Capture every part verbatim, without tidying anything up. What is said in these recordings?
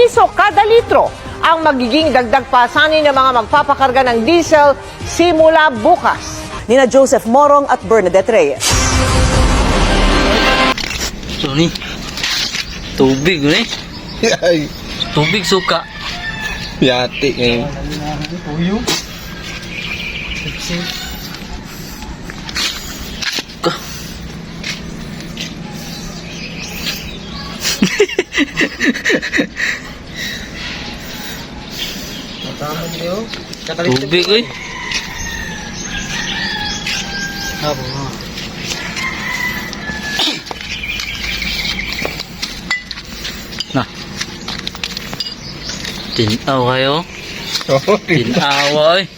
piso kada litro ang magiging dagdag pasanin ng mga magpapakarga ng diesel simula bukas. Nina Joseph Morong at Bernadette Reyes. So ni, tubig ni. Ay, Tubig suka. yati eh. Ka. Tubig eh. Nah. Tinaw kayo. Oh, Tinawa eh.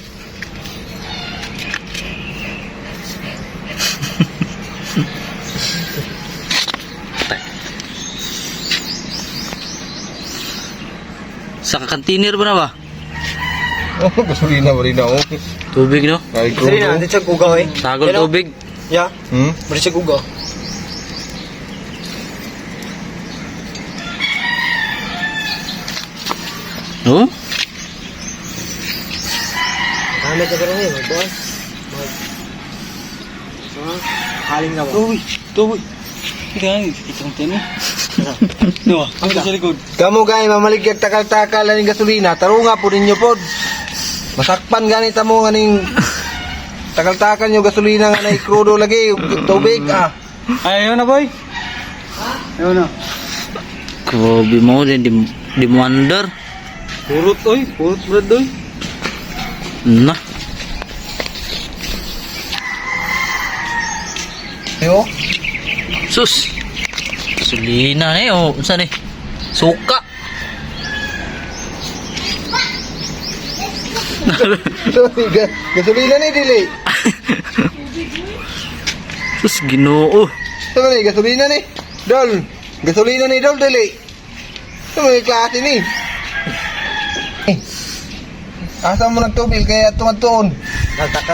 Sa kantinir ba na ba? oh, gasolina ba rin ako? Tubig no? Ay, Sari na, hindi siya gugaw eh. Tagol Pero- tubig. Ya, Hmm? hindi siya gugaw. No? Gamit na pero ngayon, magbukas. Mag... Ah, haling na ba? Tubig. Tubig. Kaya itong tino. No, ang sa likod. Kamu gay mamaligyan takal-takal ng gasolina, tarunga po ninyo pod. Masakpan ganit mo nganing takal-takal nyo gasolina nga na ikrudo lagi, tubig ah. Ayaw na boy. Ayaw na. Grabe mo din di, di mo under. Purot oy, purot brad oy. Nah. Yo, Sus. Gasolina ni oh, unsa ni? Suka. Ga- gasolina ni dili. Sus Ginoo. Sama ni gasolina ni. Dol, gasolina ni dol dili. Sama ni klase ni. Eh, asa mo nagtubil kaya tumadtuon?